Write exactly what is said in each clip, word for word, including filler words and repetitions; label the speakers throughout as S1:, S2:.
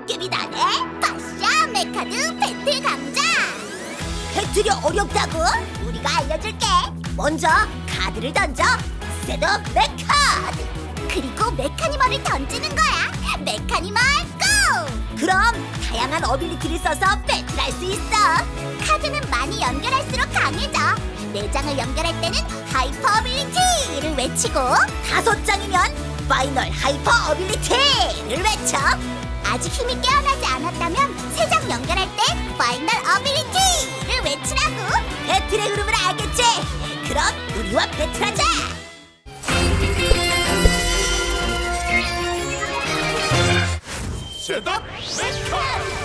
S1: 도깨비 나네. 바샤 메카드 배틀 강자. 배틀이 어렵다고? 우리가 알려줄게. 먼저 카드를 던져. 셋업 메카드. 그리고 메카니멀을 던지는 거야. 메카니멀 고! 그럼 다양한 어빌리티를 써서 배틀할 수 있어. 카드는 많이 연결할수록 강해져. 네 장을 연결할 때는 하이퍼 어빌리티를 외치고, 다섯 장이면 파이널 하이퍼 어빌리티를 외쳐. 아직 힘이 깨어나지 않았다면 세 장 연결할 때 파이널 어빌리티를 외치라고. 배틀의 흐름을 알겠지? 그럼 우리와 배틀하자.
S2: 셋업 메카!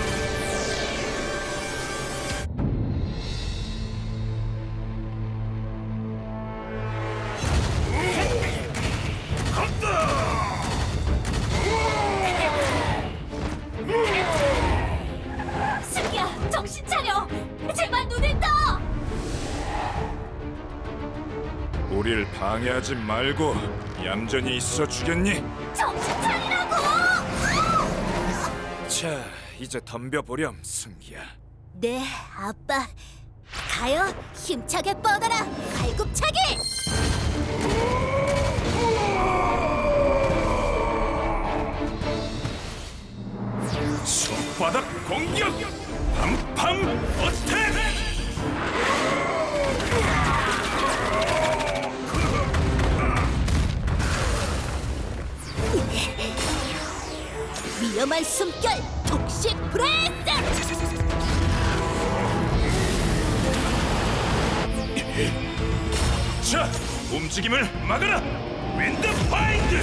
S1: 승기야, 정신 차려. 제발 눈을 떠.
S2: 우릴 방해하지 말고 얌전히 있어 주겠니?
S1: 정신 차리라고.
S2: 자, 이제 덤벼보렴, 승기야.
S1: 네, 아빠. 가요, 힘차게 뻗어라. 갈굽차기.
S2: 손바닥 공격! 팜팜 어택!
S1: 위험한 숨결, 독식 브레이스.
S2: 자, 움직임을 막아라! 윈드 파인드!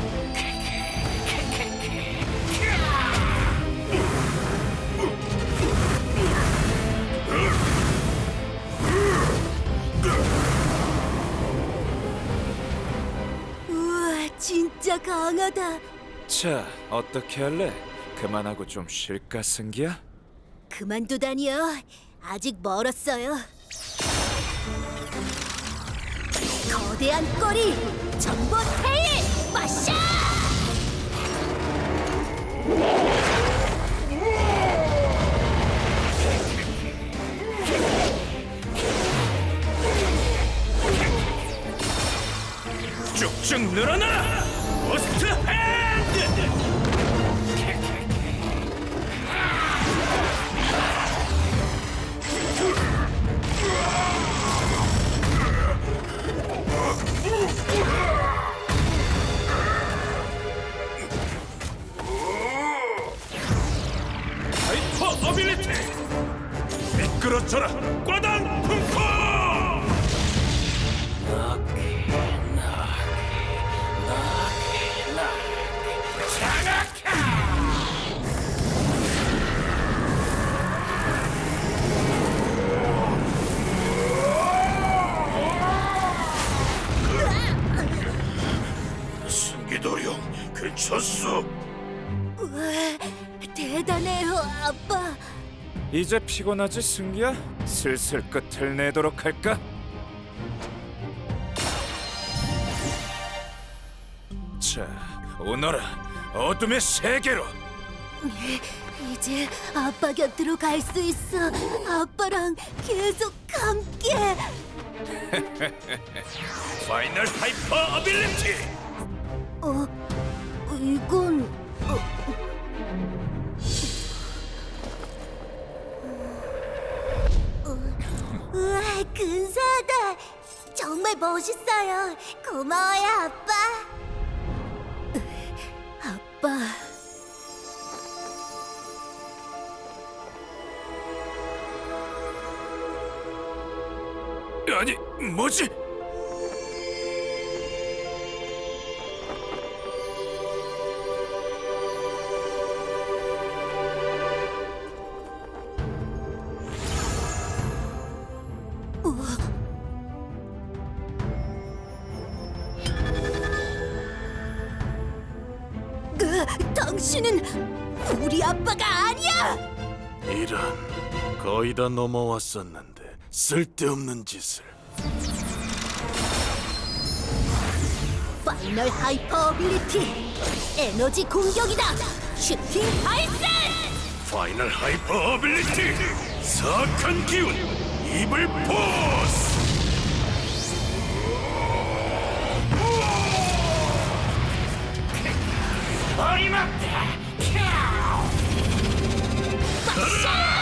S1: 우와, 진짜 강하다.
S2: 자, 어떻게 할래? 그만하고 좀 쉴까, 승기야?
S1: 그만두다니요. 아직 멀었어요. 거대한 꼬리, 전보 테일, 마샤!
S2: 쭉쭉 늘어나! 버스트 핸드! 하이퍼 어빌리티! 미끄러져라! 꽈당 쿵쿵! 승기도령, 괜찮소?
S1: 우와, 대단해요, 아빠.
S2: 이제 피곤하지, 승기야? 슬슬 끝을 내도록 할까? 자, 오너라, 어둠의 세계로!
S1: 이제 아빠 곁으로 갈 수 있어. 아빠랑 계속 함께.
S2: 파이널 하이퍼 어빌리티!
S1: 어, 이건 어, 어, 우와, 근사하다. 정말 멋있어요. 고마워요, 아빠. 아빠.
S2: 아니, 뭐지?
S1: 으, 당신은 우리 아빠가 아니야!
S3: 이런, 거의 다 넘어왔었는데 쓸데없는 짓을.
S1: 파이널 하이퍼 어빌리티 에너지 공격이다. 슈팅 아이스!
S3: 파이널 하이퍼 어빌리티 사악한 기운 이블 포스.
S2: 어림없다.
S1: 마샤!